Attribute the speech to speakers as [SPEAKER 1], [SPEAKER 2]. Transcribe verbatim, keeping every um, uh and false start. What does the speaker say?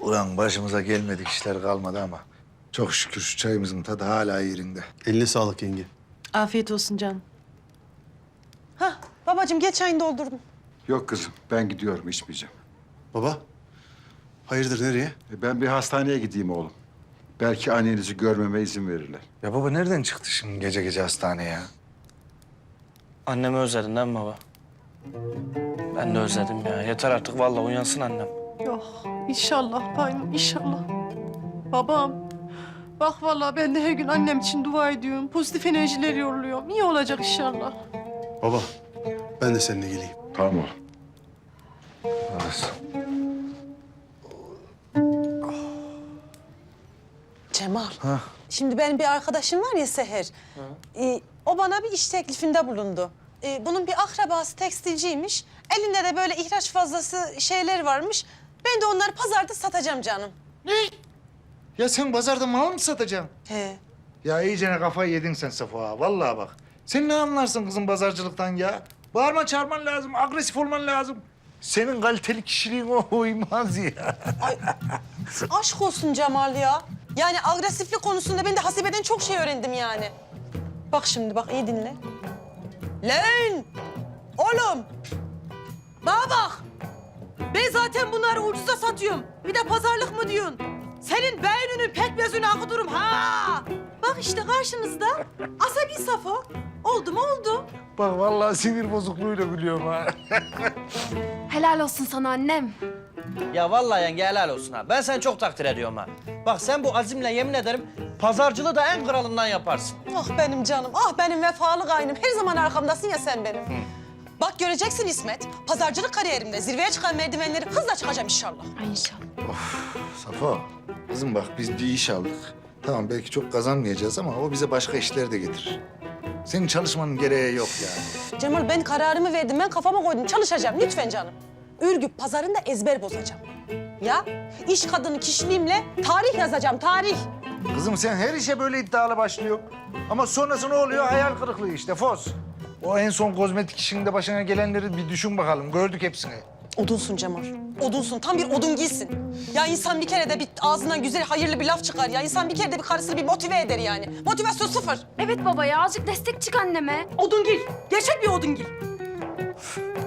[SPEAKER 1] Ulan başımıza gelmedik işler kalmadı ama çok şükür şu çayımızın tadı hala yerinde.
[SPEAKER 2] Eline sağlık yenge.
[SPEAKER 3] Afiyet olsun canım. Hah babacığım geç çayını doldurdum.
[SPEAKER 4] Yok kızım, ben gidiyorum, içmeyeceğim.
[SPEAKER 2] Baba, hayırdır nereye?
[SPEAKER 4] E, Ben bir hastaneye gideyim oğlum. Belki annenizi görmeme izin verirler.
[SPEAKER 1] Ya baba nereden çıktı şimdi gece gece hastaneye ya?
[SPEAKER 5] Annemi özledin değil mi baba? Ben de özledim ya. Yeter artık vallahi uyansın annem.
[SPEAKER 3] Yok inşallah bayım inşallah. Babam bak vallahi ben de her gün annem için dua ediyorum. Pozitif enerjiler yolluyorum. İyi olacak inşallah.
[SPEAKER 2] Baba, ben de seninle geleyim.
[SPEAKER 4] Tamam oğlum.
[SPEAKER 1] Orası.
[SPEAKER 6] Cemal,
[SPEAKER 1] Ha.
[SPEAKER 6] şimdi benim bir arkadaşım var ya Seher. Ee, o bana bir iş teklifinde bulundu. Ee, bunun bir akrabası tekstilciymiş. Elinde de böyle ihraç fazlası şeyler varmış. Ben de onları pazarda satacağım canım.
[SPEAKER 1] Ya sen pazarda mal mı satacaksın?
[SPEAKER 6] He.
[SPEAKER 1] Ya iyicene kafayı yedin sen Safo ha. Vallahi bak. Sen ne anlarsın kızım pazarcılıktan ya? Bağırma çağırman lazım, agresif olman lazım. Senin kaliteli kişiliğin o uymaz ya.
[SPEAKER 6] Ay, aşk olsun Cemal ya. Yani agresiflik konusunda ben de Hasibe'den çok şey öğrendim yani. Bak şimdi bak iyi dinle. Lan! Oğlum! Bana bak! Ben zaten bunları ucuza satıyorum. Bir de pazarlık mı diyorsun? Senin beyninin pekmezini akıtırım ha! Bak işte karşınızda asabi Safo. Oldu mu oldu.
[SPEAKER 1] Bak vallahi sinir bozukluğuyla gülüyorum ha.
[SPEAKER 7] Helal olsun sana annem.
[SPEAKER 5] Ya vallahi yenge helal olsun ha. Ben seni çok takdir ediyorum ha. Bak sen bu azimle yemin ederim pazarcılığı da en kralından yaparsın.
[SPEAKER 6] Ah benim canım, ah benim vefalı kaynım. Her zaman arkamdasın ya sen benim. Bak göreceksin İsmet, pazarcılık kariyerimde zirveye çıkan merdivenleri hızla çıkacağım inşallah.
[SPEAKER 7] Ay inşallah.
[SPEAKER 1] Safo, kızım bak biz bir iş aldık. Tamam belki çok kazanmayacağız ama o bize başka işler de getirir. Senin çalışmanın gereği yok yani.
[SPEAKER 6] Cemal ben kararımı verdim, ben kafama koydum. Çalışacağım lütfen canım. Ürgüp pazarında ezber bozacağım. Ya iş kadını kişiliğimle tarih yazacağım, tarih.
[SPEAKER 1] Kızım sen her işe böyle iddialı başlıyor. Ama sonrası ne oluyor? Hayal kırıklığı işte Fos. O en son kozmetik işinde başına gelenleri bir düşün bakalım. Gördük hepsini.
[SPEAKER 6] Odunsun Cemal, odunsun. Tam bir odun giysin. Ya insan bir kere de bir ağzından güzel, hayırlı bir laf çıkar ya. İnsan bir kere de bir karısını bir motive eder yani. Motivasyon sıfır.
[SPEAKER 7] Evet baba ya azıcık destek çık anneme.
[SPEAKER 6] Odungil, gerçek bir odungil.